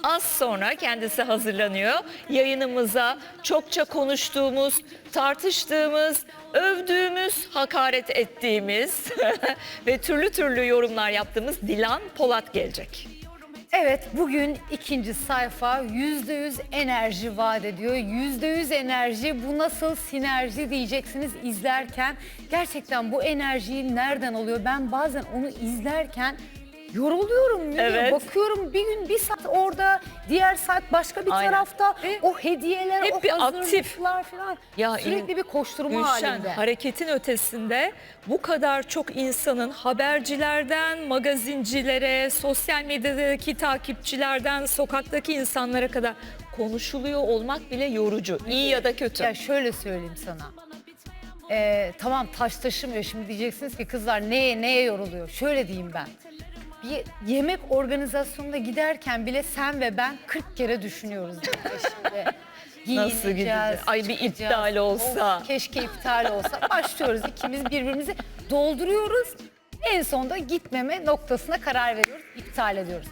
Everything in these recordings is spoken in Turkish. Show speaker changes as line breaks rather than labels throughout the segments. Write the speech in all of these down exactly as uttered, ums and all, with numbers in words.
Az sonra kendisi hazırlanıyor. Yayınımıza çokça konuştuğumuz, tartıştığımız, övdüğümüz, hakaret ettiğimiz ve türlü türlü yorumlar yaptığımız Dilan Polat gelecek.
Evet, bugün ikinci sayfa yüzde yüz enerji vaat ediyor. Yüzde yüz enerji, bu nasıl sinerji diyeceksiniz izlerken. Gerçekten bu enerjiyi nereden alıyor? Ben bazen onu izlerken yoruluyorum.
Evet.
Bakıyorum bir gün bir saat orada, diğer saat başka bir
Aynen.
tarafta.
Ve
o hediyeler,
hep
o
bir
hazırlıklar falan.
Ya
Sürekli bir koşturma
Gülşen,
halinde.
hareketin ötesinde bu kadar çok insanın habercilerden, magazincilere, sosyal medyadaki takipçilerden, sokaktaki insanlara kadar konuşuluyor olmak bile yorucu. İyi ya da kötü.
Ya şöyle söyleyeyim sana. Ee, tamam taş taşımıyor. Şimdi diyeceksiniz ki kızlar neye neye yoruluyor? Şöyle diyeyim ben. Bir yemek organizasyonuna giderken bile sen ve ben kırk kere düşünüyoruz. Şimdi.
Nasıl gideceğiz? Ay bir
çıkacağız.
iptal olsa.
Of, keşke iptal olsa. Başlıyoruz ikimiz birbirimizi dolduruyoruz. En sonunda gitmeme noktasına karar veriyoruz. İptal ediyoruz.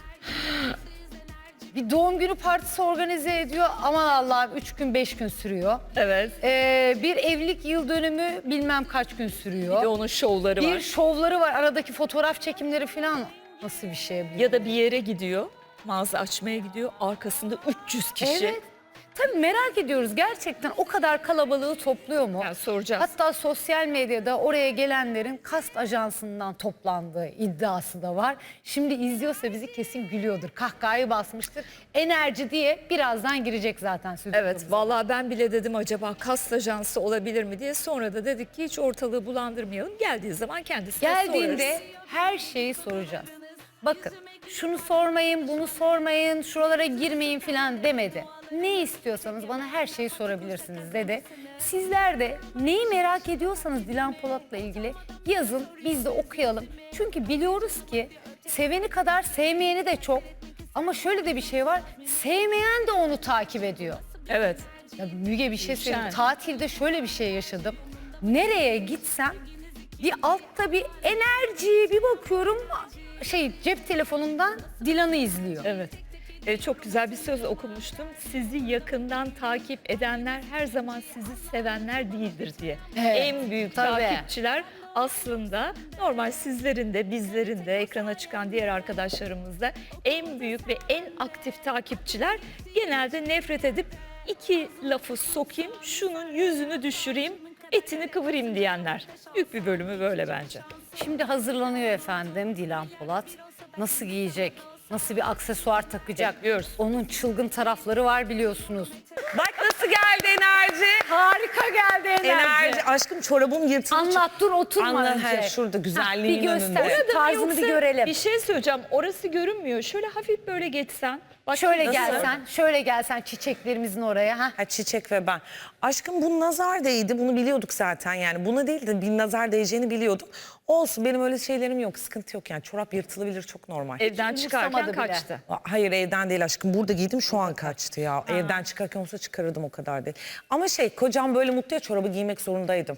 Bir doğum günü partisi organize ediyor. Aman Allah'ım üç gün beş gün sürüyor.
Evet.
Ee, bir evlilik yıl dönümü bilmem kaç gün sürüyor.
Bir de onun şovları
Bir
var.
şovları var. Aradaki fotoğraf çekimleri falan. Nasıl bir şey bu?
Ya da bir yere gidiyor, mağaza açmaya gidiyor, arkasında üç yüz kişi.
Evet. Tabii merak ediyoruz gerçekten o kadar kalabalığı topluyor mu?
Yani soracağız.
Hatta sosyal medyada oraya gelenlerin kast ajansından toplandığı iddiası da var. Şimdi izliyorsa bizi kesin gülüyordur. Kahkahayı basmıştır. Enerji diye birazdan girecek zaten stüdyomuza.
Evet, vallahi ben bile dedim acaba kast ajansı olabilir mi diye. Sonra da dedik ki hiç ortalığı bulandırmayalım. Geldiği zaman kendisine
Geldiğinde
sorarız.
her şeyi soracağız. Bakın şunu sormayın, bunu sormayın, şuralara girmeyin falan demedi. Ne istiyorsanız bana her şeyi sorabilirsiniz dedi. Sizler de neyi merak ediyorsanız Dilan Polat'la ilgili yazın, biz de okuyalım. Çünkü biliyoruz ki seveni kadar sevmeyeni de çok. Ama şöyle de bir şey var, sevmeyen de onu takip ediyor.
Evet.
Ya Müge bir şey söyleyeyim.
Gülşen.
Tatilde şöyle bir şey yaşadım. Nereye gitsem bir altta bir enerji, bir bakıyorum şey cep telefonundan Dilan'ı izliyor.
Evet. Ee, çok güzel bir söz okumuştum. Sizi yakından takip edenler her zaman sizi sevenler değildir diye.
Evet,
En büyük
tabii.
takipçiler aslında normal sizlerin de bizlerin de ekrana çıkan diğer arkadaşlarımız da en büyük ve en aktif takipçiler genelde nefret edip iki lafı sokayım, şunun yüzünü düşüreyim, etini kıvırayım diyenler. Büyük bir bölümü böyle bence.
Şimdi hazırlanıyor efendim Dilan Polat. Nasıl giyecek? Nasıl bir aksesuar takacak?
Bekliyoruz.
Onun çılgın tarafları var biliyorsunuz.
Bak nasıl geldi enerji.
Harika geldi enerji.
Enerji. Aşkım çorabım yırtıldı.
Anlat dur oturma
Anla,
önce.
he, şurada güzelliğin
bir göster.
önünde.
Orada tarzını
Yoksa
bir görelim.
Bir şey söyleyeceğim. Orası görünmüyor. Şöyle hafif böyle geçsen. Bak
Şöyle
nasıl?
gelsen, şöyle gelsen çiçeklerimizin oraya. Ha?
Ha, çiçek ve ben. Aşkım bu nazar değdi. Bunu biliyorduk zaten yani. Buna değil de bir nazar değeceğini biliyordum. Olsun benim öyle şeylerim yok. Sıkıntı yok yani. Çorap yırtılabilir çok normal.
Evden çıkarken
umursamadı bile.
kaçtı.
Hayır evden değil aşkım. Burada giydim şu an kaçtı ya. Evden çıkarken olsa çıkarırdım o kadar değil. Ama şey kocam böyle mutlu ya çorabı giymek zorundaydım.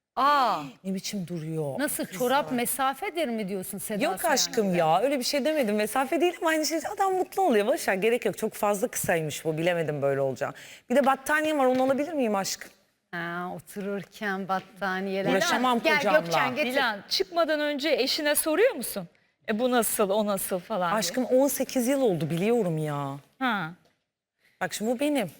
Aa,
Ne biçim duruyor.
nasıl çorap mesafedir mi diyorsun Seda
Yok
Sayan
aşkım
gibi?
ya öyle bir şey demedim. Mesafe değil ama aynı şey adam mutlu oluyor. Boşver gerek yok. Çok fazla kısaymış bu. Bilemedim böyle olacağını. Bir de battaniyem var onu alabilir miyim aşkım?
Ha, otururken battaniyeler.
Uğraşamam
Gel
kocamla.
Gökçen getir.
Dilan çıkmadan önce eşine soruyor musun? E bu nasıl, o nasıl falan diye.
Aşkım on sekiz yıl oldu biliyorum ya.
Ha.
Bak şimdi bu benim.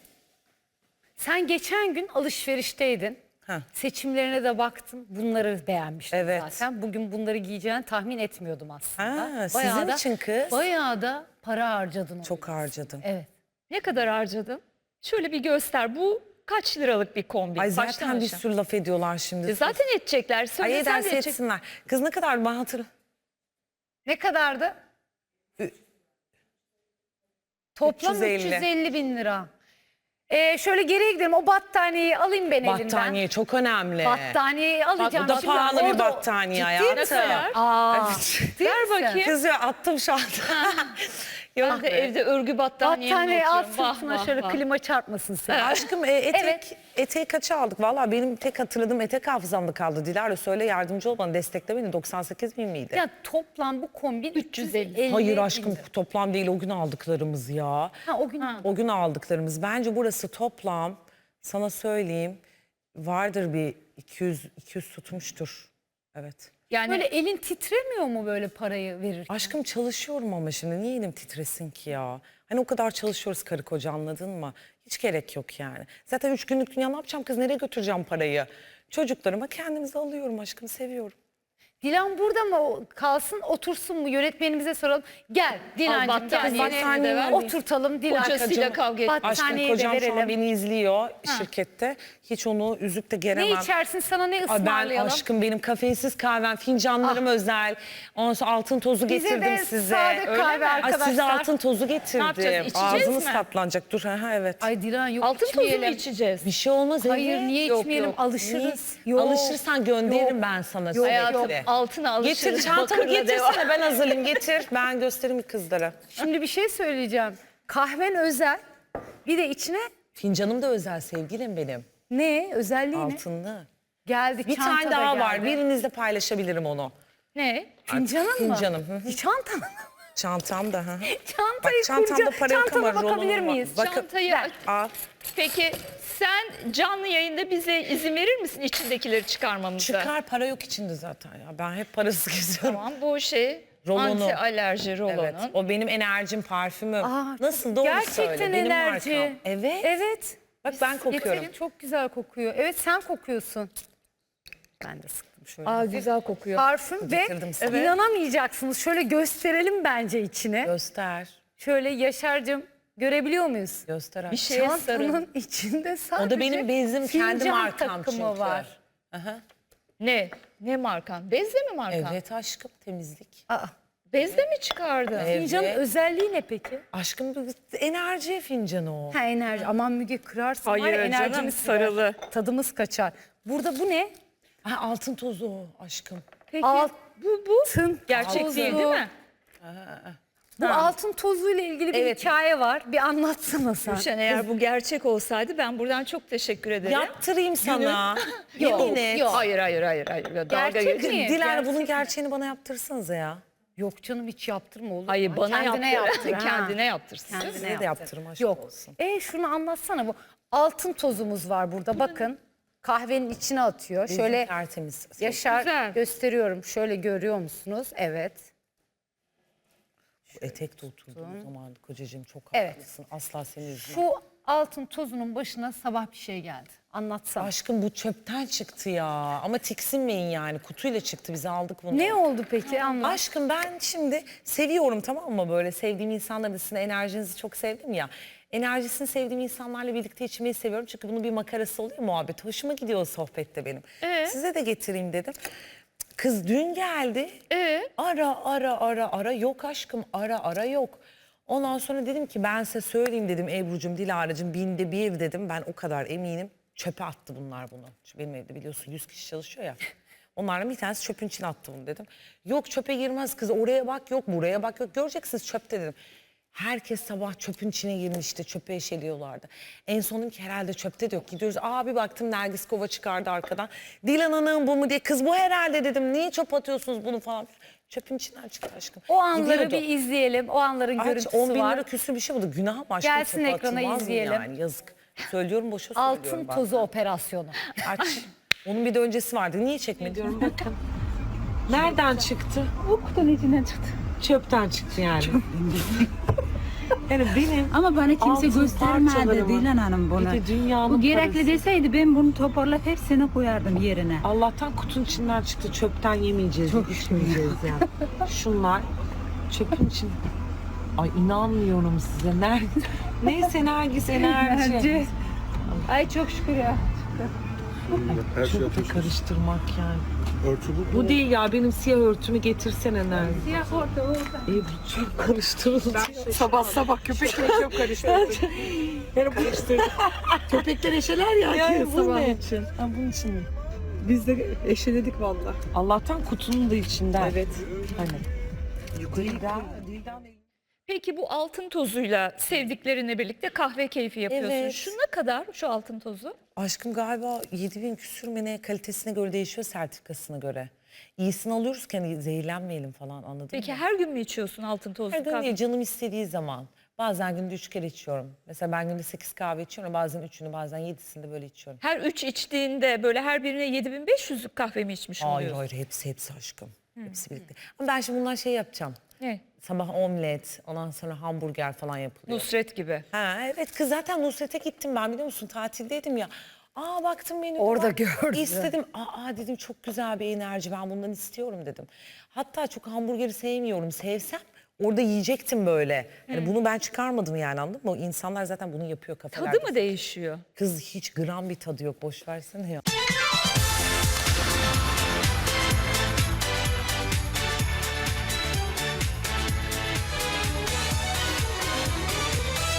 Sen geçen gün alışverişteydin.
Ha.
Seçimlerine de baktın. Bunları beğenmiştin
Evet.
zaten. Bugün bunları giyeceğini tahmin etmiyordum aslında.
Ha, sizin
da,
için kız.
Bayağı da para harcadın. ona.
Çok harcadım.
Evet.
Ne kadar harcadın? Şöyle bir göster. Bu kaç liralık bir kombin?
Ay
Baştan
zaten bir
aşağı.
sürü laf ediyorlar şimdi.
E zaten edecekler.
Ay
Söylesen de
ederse
edecek.
etsinler. Kız ne kadar ben hatırlıyorum.
Ne kadardı? Toplam üç yüz
üç yüz elli.
elli bin lira. Ee, şöyle geriye gidelim. O battaniyeyi alayım ben elimden.
Battaniye çok önemli.
Battaniyeyi alacağım.
Bu da
Şimdi
pahalı bir
orada-
battaniye
Ciddi
hayatım.
misin?
Ne kadar?
Aa,
Evet.
ciddi
Ver
misin?
bakayım.
Kız ya attım şu anda.
Ya da evde örgü battaniyemle
Battaniye
oturuyorum.
alt
Vah,
sırtına
vah,
şöyle
vah.
klima çarpmasın seni.
Aşkım e, etek,
Evet.
eteği kaça aldık? Valla benim tek hatırladığım etek hafızamda kaldı. Dilara söyle, yardımcı ol bana, destekle beni. doksan sekiz bin miydi?
Ya toplam bu kombin
üç yüz elli.
Hayır
bin
aşkım,
lira.
toplam değil, o gün aldıklarımız ya.
Ha o gün
O gün aldıklarımız. Bence burası toplam, sana söyleyeyim, vardır bir iki yüz iki yüz tutmuştur. Evet.
Yani
böyle elin titremiyor mu böyle parayı verirken?
Aşkım çalışıyorum ama şimdi niye elim titresin ki ya? Hani o kadar çalışıyoruz karı koca, anladın mı? Hiç gerek yok yani. Zaten üç günlük dünya, ne yapacağım kız, nereye götüreceğim parayı? Çocuklarıma kendimize alıyorum aşkım, seviyorum.
Dilan burada mı o- kalsın otursun mu yönetmenimize soralım. Gel Dilancığım gel
battaniyeni
seni
de ver.
oturtalım Dilan.
Kocasıyla kavga etmiş.
Aşkım
Battaniyeyi de
kocam şu an
verelim.
beni izliyor şirkette. Hiç onu üzüp de geremem.
Ne içersin sana ne
Ay ben
ısmarlayalım?
aşkım, benim kafeinsiz kahvem, fincanlarım özel. Ondan sonra altın tozu
Bize
getirdim
de
size.
sade
Öyle
kahve
mi? Ay, size
arkadaşlar.
altın tozu getirdim.
yapacağız, içeceğiz
Ağzımız
mi?
tatlanacak. Dur ha, ha evet.
Ay Dilan yok
altın tozu mu
içmeyelim.
içeceğiz?
Bir şey olmaz.
Hayır
evet.
niye
Yok,
içmeyelim
yok.
alışırız.
Niye?
Yok.
Alışırsan gönderirim
Yok.
ben sana.
Yok,
Hayatım
sürekli.
altına alışırız.
Getir çantamı,
bakırla devam.
getirsene, ben hazırlayayım, getir. Ben göstereyim kızlara.
Şimdi bir şey söyleyeceğim. Kahven özel. Bir de içine
Fincanım da özel sevgilim benim.
ne? Özelliği ne?
Altınlı.
Geldi
Bir
çanta
tane
da
daha var.
geldi.
Birinizle paylaşabilirim onu.
Ne?
Fincanın mı?
Fincanım, hı hı.
Bir çanta mı?
Çantam da. Hı hı.
Çantayı
Bak, çantamda
kurca-
para yok
çantama
ama
bakabilir
rolonum var.
miyiz?
Bakın.
Çantayı
Ver.
Al.
Peki sen canlı yayında bize izin verir misin içindekileri çıkarmamıza?
Çıkar, para yok içinde zaten ya. Ben hep parasız geziyorum.
Tamam, bu şey
Rolonu.
anti alerji rolonun.
Evet. O benim enerjim, parfümüm.
Aa,
Nasıl, doğru
Gerçekten
söyle. Benim
enerji.
markam. Evet.
Evet.
Bak ben kokuyorum.
Getirin, çok güzel kokuyor. Evet sen kokuyorsun. Ben de sıktım şöyle.
Aa, güzel kokuyor.
Parfüm ve
Getirdim sana.
inanamayacaksınız. Şöyle gösterelim bence içine.
Göster.
Şöyle Yaşar'cığım görebiliyor muyuz?
Göster.
Bir
Bir
şeye sarın.
Çantanın içinde sadece
O da benim bezim, kendi
fincan
markam
takımı
çünkü.
var.
Aha.
Ne? Ne markan? Bezle mi markan?
Evet aşkım, temizlik.
Aa,
Bezle mi çıkardın?
Evet.
fincanın özelliği ne peki?
Aşkım bu enerji fincanı o.
Ha enerji. Aman Müge kırarsın.
Hayır
var ya,
canım,
enerjimiz
sarılı.
gider. Tadımız kaçar. Burada bu ne?
Ha, altın tozu o aşkım.
Peki.
Alt, bu bu.
Altın
Gerçek
tozu.
değil değil mi?
Bu altın tozuyla ilgili bir
Evet.
hikaye var. Bir anlatsana sen.
Gülşen, eğer bu gerçek olsaydı ben buradan çok teşekkür ederim.
Yaptırayım sana.
Yok,
Yemin et.
yok. Hayır hayır hayır hayır. Dalga
Gerçek
geç-
mi?
Dilara
Gerçek
bunun
mi?
gerçeğini bana yaptırsanıza ya.
Yok canım hiç yaptırma olur.
Hayır,
mu?
bana
Kendine
yaptır.
yaptır. ha.
Kendine yaptırsın.
Kendine
Size de
yaptır.
yaptırım, aşk
Yok.
olsun.
E şunu anlatsana bu. Altın tozumuz var burada bakın. Kahvenin içine atıyor.
Bezim
Şöyle
tertemiz.
Yaşar
Güzel.
gösteriyorum. Şöyle görüyor musunuz? Evet.
Bu etekte oturduğum zaman kocacığım çok
Evet.
haklısın. Asla seni üzmem.
Şu altın tozunun başına sabah bir şey geldi. Anlatsana.
Aşkım bu çöpten çıktı ya. Ama tiksinmeyin yani. Kutuyla çıktı, biz aldık bunu.
Ne oldu peki? Anlat.
Aşkım ben şimdi seviyorum, tamam mı, böyle sevdiğim insanların, sizin enerjinizi çok sevdim ya. Enerjisini sevdiğim insanlarla birlikte içmeyi seviyorum. Çünkü bunun bir makarası oluyor, muhabbet. Hoşuma gidiyor o sohbette benim.
Ee?
Size de getireyim dedim. Kız dün geldi.
Ee?
Ara ara ara ara yok aşkım, ara ara yok. Ondan sonra dedim ki ben size söyleyeyim dedim, Ebru'cum, Dilara'cım, binde bir dedim. Ben o kadar eminim. Çöpe attı bunlar bunu. Çünkü benim evde biliyorsun yüz kişi çalışıyor ya. Onlardan bir tanesi çöpün içine attı bunu dedim. Yok çöpe girmez kız, oraya bak yok, buraya bak yok, göreceksiniz çöpte dedim. Herkes sabah çöpün içine girmişti, çöpe eşeliyorlardı. En son dedim ki herhalde çöpte de yok. Gidiyoruz, aa bir baktım Nergis Kova çıkardı arkadan. Dilan Hanım bu mu diye, kız bu herhalde dedim. Niye çöp atıyorsunuz bunu falan. Çöpün içinden çıktı aşkım.
O anları
Gidiyordu.
bir izleyelim. O anların
Aç,
görüntüsü
on bin lira
var.
küsür bir şey buldu. Günah mı aşkım?
Gelsin
çöpe
ekrana
atılmaz mı
izleyelim.
Yani? Yazık. Söylüyorum, boşa söylüyorum.
Altın
ben.
tozu operasyonu.
Aç. Onun bir de öncesi vardı. Niye çekmedin?
Bakın. Nereden çıktı?
Bu kutunun içinden çıktı.
Çöpten çıktı yani. Yani benim
Ama bana kimse
altın
göstermedi
parçalarımı,
Dilan Hanım bunu.
bir de dünyanın
Bu gerekli
parası.
deseydi ben bunu toparlayıp hepsini koyardım yerine.
Allah'tan kutunun içinden çıktı. Çöpten yemeyeceğiz, içmeyeceğiz yani. Şunlar çöpün için. Ay inanmıyorum size. Nerede? Neyse Nergis enerji.
Bence. Ay çok şükür ya.
Her şey
Çöpü
atıyorsunuz.
karıştırmak yani.
Örtü bu.
Bu değil ya, benim siyah örtümü getirsene Nergis.
Siyah orta orta.
Ebru çok karıştırıldı. Sabah sabah köpekle çok karıştırdım. Yani karıştırdım.
Köpekler eşeler ya.
Yani bu
sabah
ne?
için.
Ha, bunun için mi?
Biz de eşeledik valla.
Allah'tan kutunun da içinden.
Evet.
Hani. Yukarıda.
Peki bu altın tozuyla sevdiklerinle birlikte kahve keyfi yapıyorsun.
Evet.
Şu ne kadar şu altın tozu?
Aşkım galiba yedi bin küsür mü ne, kalitesine göre değişiyor, sertifikasına göre. İyisini alıyoruz ki hani zehirlenmeyelim falan, anladın
Peki
mı?
her gün mü içiyorsun altın tozlu
Her gün
kahve?
değil, canım istediği zaman. Bazen günde üç kere içiyorum. Mesela ben günde sekiz kahve içiyorum. Bazen üçünü, bazen yedisini de böyle içiyorum.
Her üç içtiğinde böyle her birine yedi bin beş yüzlük kahve mi içmiş
Hayır
oluyorsun?
hayır, hepsi hepsi aşkım. Hepsi birlikte. Ama ben şimdi bundan şey yapacağım.
Ne?
Sabah omlet, ondan sonra hamburger falan yapılıyor.
Nusret gibi.
Ha evet kız, zaten Nusret'e gittim ben, biliyor musun? Tatildeydim ya. Aa baktım menüde
Orada
var.
gördüm.
İstedim. Aa dedim, çok güzel bir enerji, ben bundan istiyorum dedim. Hatta çok hamburgeri sevmiyorum. Sevsem orada yiyecektim böyle. Hani bunu ben çıkarmadım yani, anladın mı? O İnsanlar zaten bunu yapıyor kafalarda.
Tadı mı değişiyor?
Kız hiç gram bir tadı yok, boş versene ya.